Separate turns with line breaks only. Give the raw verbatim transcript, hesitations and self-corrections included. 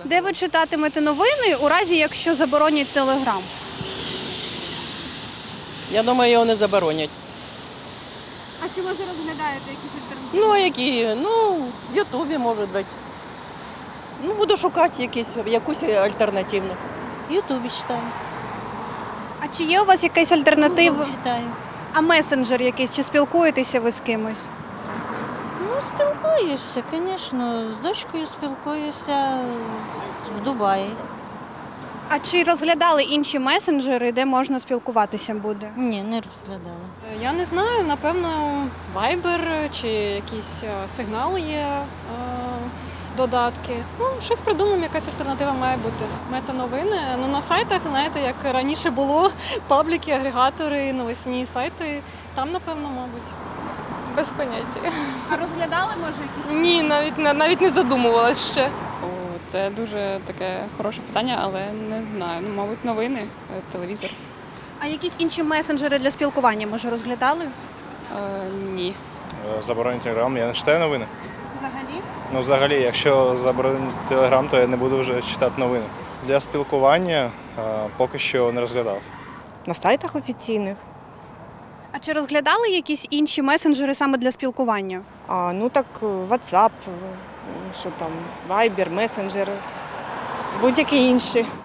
Де ви читатимете новини у разі, якщо заборонять Телеграм?
Я думаю, його не заборонять.
А чи може розглядаєте якісь альтернативи?
Ну, а які? Ну, в Ютубі, може бути. Ну, буду шукати якісь, якусь альтернативну.
В Ютубе читаю.
А чи є у вас якась альтернатива?
Google читаю.
А месенджер якийсь? Чи спілкуєтеся ви з кимось?
Ну, спілкуюся, звісно. З дочкою спілкуюся з- в Дубаї.
А чи розглядали інші месенджери, де можна спілкуватися буде?
Ні, не розглядала.
Я не знаю, напевно, Viber чи якісь е, сигнали є, е, додатки. Ну, щось придумаємо, якась альтернатива має бути. Мета-новини. Ну, на сайтах, знаєте, як раніше було, пабліки, агрегатори, новосні сайти. Там, напевно, мабуть.
Без поняття.
А розглядали, може, якісь?
Ні, навіть не- навіть не задумувалась ще. О, це дуже таке хороше питання, але не знаю. Ну, мабуть, новини, е, телевізор.
А якісь інші месенджери для спілкування, може, розглядали?
Е, ні.
Заборонять телеграм, я не читаю новини.
Взагалі?
Ну, взагалі, якщо заборонять телеграм, то я не буду вже читати новини. Для спілкування а, поки що не розглядав.
На сайтах офіційних.
А чи розглядали якісь інші месенджери саме для спілкування?
А, ну так WhatsApp, що там, Viber, Messenger, будь-які інші.